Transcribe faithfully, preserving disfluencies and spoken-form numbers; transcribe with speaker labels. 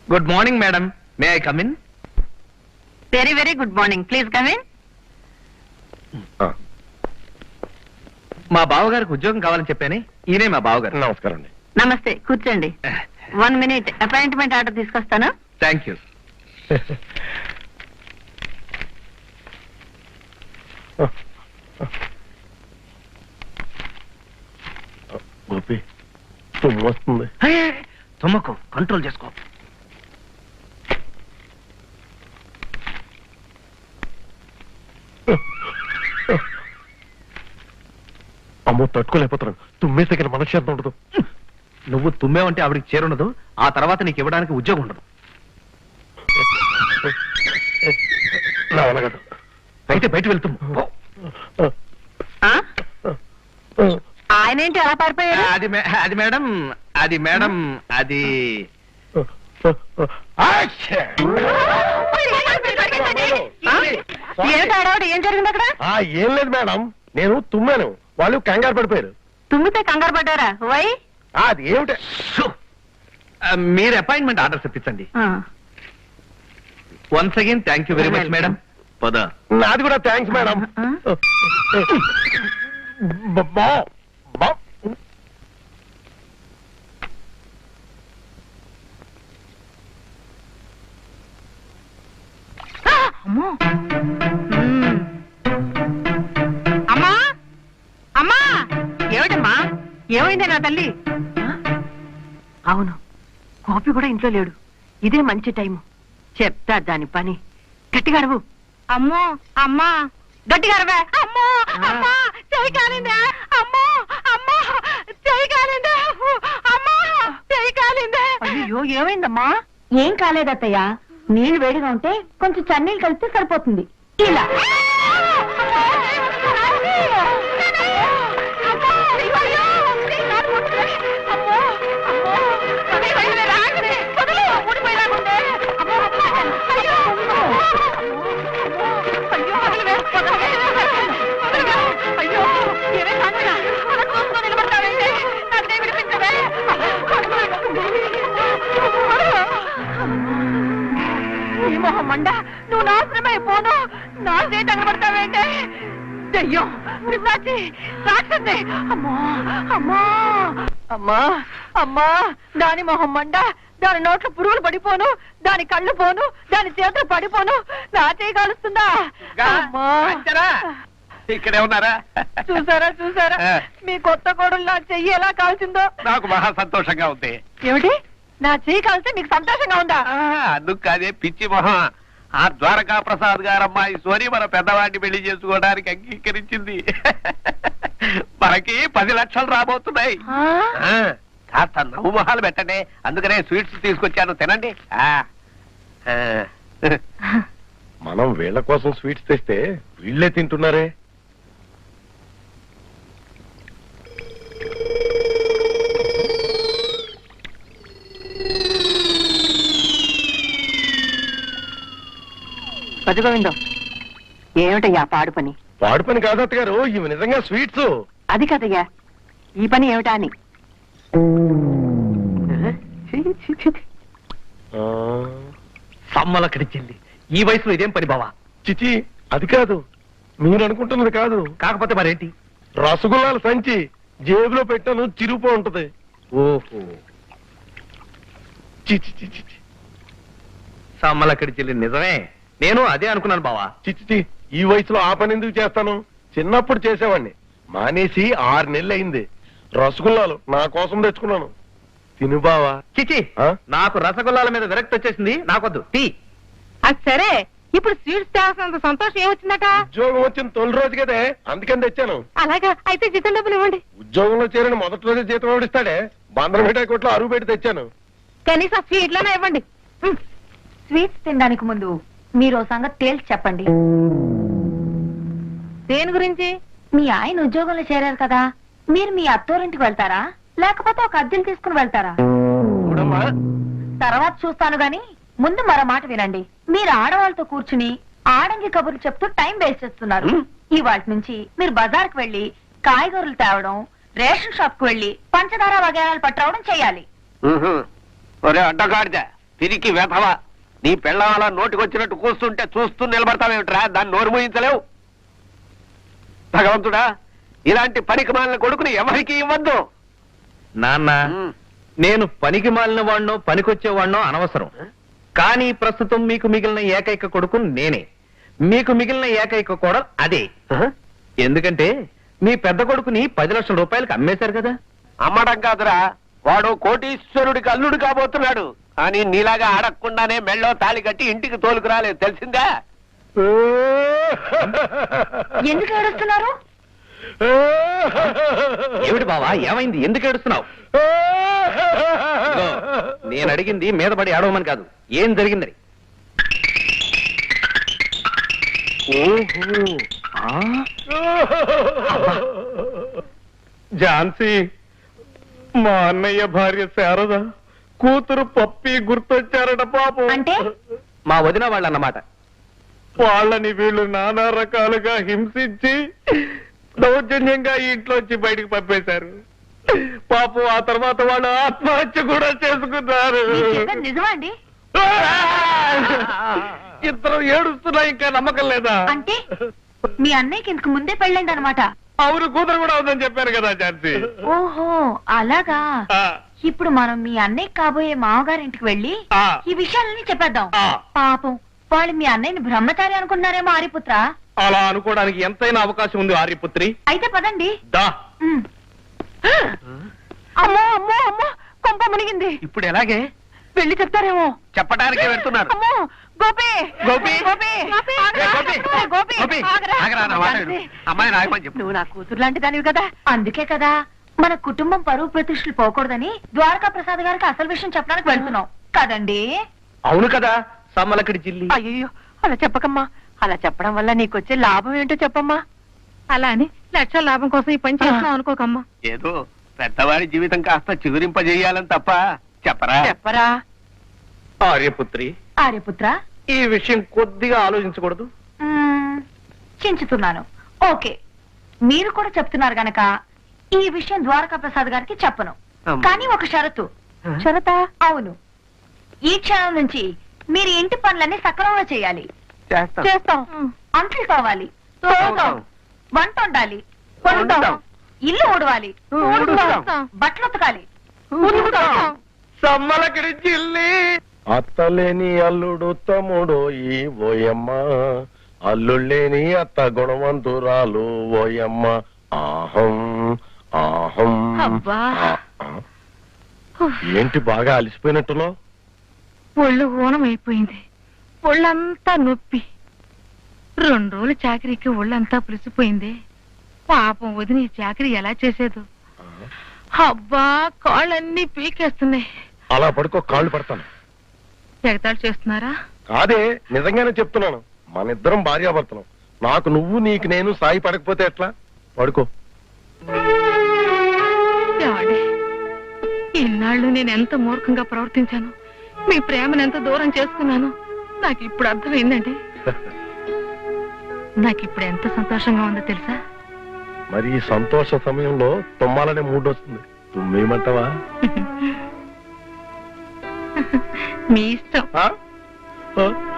Speaker 1: Good morning madam, may I come in?
Speaker 2: Very very good morning, please come in.
Speaker 1: మా బావగారికి ఉద్యోగం కావాలని చెప్పాను, ఈయనే మా బావగారు.
Speaker 3: నమస్కారం అండి.
Speaker 2: నమస్తే, కూర్చోండి. వన్ మినిట్, అపాయింట్మెంట్ ఆర్డర్ తీసుకొస్తాను.
Speaker 1: Thank you.
Speaker 3: గోపి తుమ్ము వస్తుంది.
Speaker 1: తుమ్మకు, కంట్రోల్ చేసుకో.
Speaker 3: అమ్మో తట్టుకోలేకపోతున్నాను. తుమ్మేస్తే ఇక్కడ మనశ్శాంతి ఉండదు.
Speaker 1: నువ్వు తుమ్మేవంటే ఆవిడికి చేరుండదు, ఆ తర్వాత నీకు ఇవ్వడానికి ఉద్యోగం ఉండదు.
Speaker 3: నా వల్ల కాదు.
Speaker 1: అయితే బయట వెళ్తాము.
Speaker 2: ఆయన ఏంటి అలా పారిపోయారు?
Speaker 1: అది మే- అది మేడం, అది మేడం, అది
Speaker 2: ఏమిటి ఆడవాడు, ఏం జరిగింది అక్కడ?
Speaker 3: ఆ, ఏం లేదు మేడం, నేను తుమ్మాను, వాళ్ళు కంగారు పడిపోయారు.
Speaker 2: తుమ్మితే కంగారు పడ్డారా? వై?
Speaker 3: ఆ, అది ఏమిటి?
Speaker 1: షూ. ఆ, మీరు అపాయింట్మెంట్ ఆర్డర్ తెప్పించండి. Once again thank you very much madam. పద.
Speaker 3: నాది కూడా థ్యాంక్స్ మేడం. బా బా
Speaker 2: అమ్మా అమ్మా, ఏమిటమ్మా, ఏమైంది నా తల్లి? అవును, గోపి కూడా ఇంట్లో లేడు. ఇదే మంచి టైము, చెప్తా దాని పని. గట్టిగా అరవు. అమ్మో అమ్మా, గట్టిగా అరవే. అమ్మో అమ్మా, చెయ్యి కాలిందా? అమ్మో అమ్మా, చెయ్యి కాలిందా? అమ్మా, చెయ్యి కాలిందా? అయ్యో, ఏమైందమ్మా?
Speaker 4: ఏం కాలేదత్తయ్య, నీళ్లు వేడిగా ఉంటే కొంచెం చన్నీళ్ళు కలిపితే సరిపోతుంది. ఇలా
Speaker 2: మండా, నువ్వు నాశనమై పోను. నా చేతి అగబడతావేంటే? దెయ్యం, పిశాచి, రాక్షసి. అమ్మా అమ్మా అమ్మా అమ్మా, దాని మొహం మండ, దాని నోట్లో పురుగులు పడిపోను, దాని కళ్ళు పోను, దాని చేతులు పడిపోను. నా చేయి కాలుస్తుందా? అమ్మా,
Speaker 1: ఇక్కడే ఉన్నారా?
Speaker 2: చూసారా చూసారా, మీ కొత్త కోడలు నా చెయ్యి ఎలా కాల్చిందో.
Speaker 1: నాకు మహా సంతోషంగా ఉంది.
Speaker 2: ఏమిటి, నా చెయ్యి కాల్స్తే నీకు సంతోషంగా ఉందా?
Speaker 1: అందుకు కాదే పిచ్చి మొహం, ఆ ద్వారకా ప్రసాద్ గారు అమ్మాయి సోని మన పెద్దవాడిని పెళ్లి చేసుకోవడానికి అంగీకరించింది. మనకి పది లక్షలు రాబోతున్నాయి. ఆ, కాస్త నవ్వు మొహాలు పెట్టండి, అందుకనే స్వీట్స్ తీసుకొచ్చాను, తినండి. ఆ, ఆ.
Speaker 3: మనం వీళ్ళ కోసం స్వీట్స్ తెస్తే వీళ్ళే తింటున్నారే.
Speaker 2: పదిగోవిందో, ఏమిటయ్యా పాడు పని?
Speaker 3: వాడు పని కాదు అత్తగారు, ఇవి నిజంగా స్వీట్స్.
Speaker 2: అది కదయ్యా, ఈ పని ఏమిటా అని.
Speaker 3: ఆ,
Speaker 1: సమ్మల కడిచింది, ఈ వయసులో ఇదేం పని బావా?
Speaker 3: చిచి, అది కాదు, మీరు అనుకుంటున్నది కాదు.
Speaker 1: కాకపోతే మరేంటి?
Speaker 3: రసగుల్లాల సంచి జేబులో పెట్టాను, చిరుపో ఉంటది.
Speaker 1: ఓహో,
Speaker 3: చిచి చిచి చి.
Speaker 1: సమ్మల కడిచిల్లి నిజమే, నేను అదే అనుకున్నాను బావా.
Speaker 3: చిచి, ఈ వయసులో ఆ పని ఎందుకు చేస్తాను? చిన్నప్పుడు చేసేవాడిని, మానేసి ఆరు నెలలు అయింది. రసగుల్లాలు నా కోసం తెచ్చుకున్నాను, తిను బావా.
Speaker 1: చిచి,
Speaker 3: ఆ?
Speaker 1: నాకు రసగుల్లాల మీద విరక్తి వచ్చేసింది, నాకొద్దు. టీ.
Speaker 2: అది సరే, ఇప్పుడు స్వీట్స్ తేవాల్సినంత సంతోషం ఏమొచ్చిందట?
Speaker 3: ఉద్యోగం వచ్చిన తొలి రోజు కదే, అందుకని తెచ్చాను.
Speaker 2: అలాగా, అయితే జీతం డబ్బులు ఇవ్వండి.
Speaker 3: ఉద్యోగంలో చేరిన మొదటి రోజే జీతం ఓడిస్తాడే, బందరం మిఠాయి కొట్లో అరువు పెట్టి తెచ్చాను.
Speaker 2: కనీసం స్వీట్లోనే ఇవ్వండి.
Speaker 4: స్వీట్స్ తినడానికి ముందు మీరు ఓ సంగతి తేల్చి చెప్పండి.
Speaker 2: దేని గురించి?
Speaker 4: మీ ఆయన ఉద్యోగంలో చేరారు కదా, మీరు మీ అత్తోరింటికి వెళ్తారా, లేకపోతే ఒక అద్దెలు తీసుకుని వెళ్తారా?
Speaker 3: చూడమ్మా,
Speaker 4: తర్వాత చూస్తాను గాని ముందు మరో మాట వినండి. మీరు ఆడవాళ్ళతో కూర్చుని ఆడంగి కబుర్లు చెప్తూ టైం వేస్ట్ చేస్తున్నారు. ఇవాళ నుంచి మీరు బజార్కి వెళ్లి కాయగూరలు తేవడం, రేషన్ షాప్ కు వెళ్లి పంచదార వగేరాలు పట్టవడం చేయాలి.
Speaker 1: ఒరే అడ్డగాడిద, తిరిగి వెధవా, నీ పెళ్ళం అలా నోటికొచ్చినట్టు కూస్తుంటే చూస్తూ నిలబడతావేమిట్రా? దాన్ని నోరు మూయించలేవు. భగవంతుడా, ఇలాంటి పనికి మాలిన కొడుకుని ఎవరికి ఇవ్వద్దు.
Speaker 5: నాన్న, నేను పనికి మాలిన వాడినో పనికొచ్చేవాడినో అనవసరం. కానీ ప్రస్తుతం మీకు మిగిలిన ఏకైక కొడుకు నేనే. మీకు మిగిలిన ఏకైక కోడలు అదే. ఎందుకంటే మీ పెద్ద కొడుకుని పది లక్షల రూపాయలకు అమ్మేశారు కదా.
Speaker 1: అమ్మడం కాదురా, వాడు కోటీశ్వరుడికి అల్లుడు కాబోతున్నాడు. అని నీలాగా అడగకుండానే మెళ్ళో తాళి కట్టి ఇంటికి తోలుకు రాలేదు, తెలిసిందా?
Speaker 4: ఎందుకు ఏడుస్తున్నారు?
Speaker 5: ఏమిటి బావా, ఏమైంది? ఎందుకు ఏడుస్తున్నావు? నేను అడిగింది మీద పడి ఏడవమని కాదు, ఏం జరిగిందని.
Speaker 3: ఝాన్సీ, మా అన్నయ్య భార్య శారద కూతురు పప్పి గుర్తొచ్చారట పాపం.
Speaker 4: అంటే
Speaker 5: మా వదిన వాళ్ళన్నమాట.
Speaker 3: వాళ్ళని వీళ్ళు నానా రకాలుగా హింసించి దౌర్జన్యంగా ఈ ఇంట్లోంచి బయటికి పంపేశారు. పాపం ఆ తర్వాత వాళ్ళు ఆత్మహత్య కూడా చేసుకున్నారు.
Speaker 4: మీరు చెప్పేది నిజమా అండి?
Speaker 3: ఇద్దరు ఏడుస్తున్నా ఇంకా నమ్మకం లేదా?
Speaker 4: అంటే మీ అన్నయ్యకి ఇంతకు ముందే పెళ్ళండి అనమాట.
Speaker 3: అవును, కూతురు కూడా ఉందని చెప్పారు కదా ఝాన్సీ.
Speaker 4: ఓహో అలాగా.
Speaker 3: ఆ,
Speaker 4: ఇప్పుడు మనం మీ అన్నయ్య కాబోయే మామగారింటికి వెళ్ళి
Speaker 3: ఆ.
Speaker 4: ఈ విషయాలన్నీ చెప్పేద్దాం.
Speaker 3: ఆ.
Speaker 4: పాపం వాళ్ళు మీ అన్నయ్యని బ్రహ్మచారి అనుకుంటున్నారేమో ఆర్యపుత్ర.
Speaker 3: అలా అనుకోవడానికి ఎంతైనా అవకాశం ఉంది ఆర్యపుత్రి.
Speaker 4: అయితే పదండి.
Speaker 3: దా.
Speaker 4: ఉమ్.
Speaker 2: అమ్మో అమ్మో అమ్మో, కొంప మునిగింది.
Speaker 1: ఇప్పుడు ఎలాగే?
Speaker 2: వెళ్ళి చెప్తారేమో.
Speaker 1: చెప్పడానికే వెళ్తున్నారు.
Speaker 2: అమ్మో, గోపి
Speaker 1: గోపి?
Speaker 2: గోపి
Speaker 1: ఏ, గోపి?
Speaker 2: గోపి
Speaker 1: గోపి,
Speaker 2: ఆగరా.
Speaker 1: ఆగరా, నా మాట విను. అమ్మాయి నాయమని చెప్పు.
Speaker 2: నువ్వు నా కూతురు లాంటి దానివి కదా.
Speaker 4: అందుకే కదా మన కుటుంబం పరువు ప్రతిష్టలు పోకూడదని ద్వారకా ప్రసాద్ గారికి అసలు విషయం చెప్పడానికి వెళ్తున్నాం కదండి.
Speaker 5: అవును కదా, సమ్మలకడి జిల్లి.
Speaker 2: అయ్యో, అలా చెప్పకమ్మా. అలా చెప్పడం వల్ల నీకొచ్చే లాభం ఏంటో చెప్పమ్మా. అలా అని లక్షల లాభం కోసం ఈ పని చేస్తున్నావు అనుకోకమ్మా.
Speaker 1: ఏదో పెద్దవాడి జీవితం కాస్త చిగురింపజేయాలని తప్ప చెప్పరా?
Speaker 2: చెప్పరా.
Speaker 5: ఆర్యపుత్రి,
Speaker 4: ఆర్యపుత్ర
Speaker 5: ఈ విషయం కొద్దిగా ఆలోచించకూడదు?
Speaker 4: మ్మ్, చించుతున్నాను. ఓకే, మీరు కూడా చెప్తున్నారు గనక ఈ విషయం ద్వారకా ప్రసాద్ గారికి చెప్పను.
Speaker 1: అమ్మ.
Speaker 4: కానీ ఒక షరతు. షరతా? అవును, ఈ క్షణం నుంచి మీరు ఇంటి పనులన్నీ సక్రమంగా చేయాలి.
Speaker 1: చేస్తాం.
Speaker 4: చేస్తాం. అంట్లు కావాలి, తోముతాం. వంట వండాలి, వండుతాం.
Speaker 1: వండుతాం.
Speaker 4: ఇల్లు ఊడవాలి,
Speaker 1: ఊడుస్తాం.
Speaker 4: బట్టలు ఉతకాలి,
Speaker 2: ఉతుకుతాం.
Speaker 3: సమ్మలకడి జిల్లి. అత్తలేని అల్లుడు తమ్ముడు ఈ ఓయమ్మ, అల్లుళ్ళేని అత్త గుణవంతురాలు ఓయమ్మ. ఆహం ఆహం.
Speaker 2: అబ్బా.
Speaker 3: ఆ, ఆ. ఏంటి బాగా అలసిపోయినట్టులో?
Speaker 2: ఒళ్ళు ఊనం అయిపోయింది. ఒళ్ళంతా నొప్పి. రెండు రోజులు చాకరీకి ఒళ్ళంతా పులిసిపోయింది. పాపం వదిన ఈ చాకరీ ఎలా చేసేదో. అబ్బా, కాళ్ళన్నీ పీకేస్తున్నాయి.
Speaker 3: అలా పడుకో, కాళ్ళు పడతాను.
Speaker 2: ఎగతాళి చేస్తున్నారా?
Speaker 3: కాదే, నిజంగానే చెప్తున్నాను. మన ఇద్దరం భార్యాభర్తలం. నాకు నువ్వు, నీకు నేను సాయి పడకపోతే ఎట్లా? పడుకో.
Speaker 2: ఏమండి, ఇన్నాళ్ళు నేను ఎంత మూర్ఖంగా ప్రవర్తించాను, మీ ప్రేమను ఎంత దూరం చేసుకున్నాను నాకు ఇప్పుడు అర్థమైందండి. నాకు ఇప్పుడు ఎంత సంతోషంగా ఉందో తెలుసా?
Speaker 3: మరి ఈ సంతోష సమయంలో తుమ్మాలనే మూడు వస్తుంది. తుమ్మేయమంటావా?
Speaker 2: మీ ఇష్టం.
Speaker 3: ఆ? ఆ?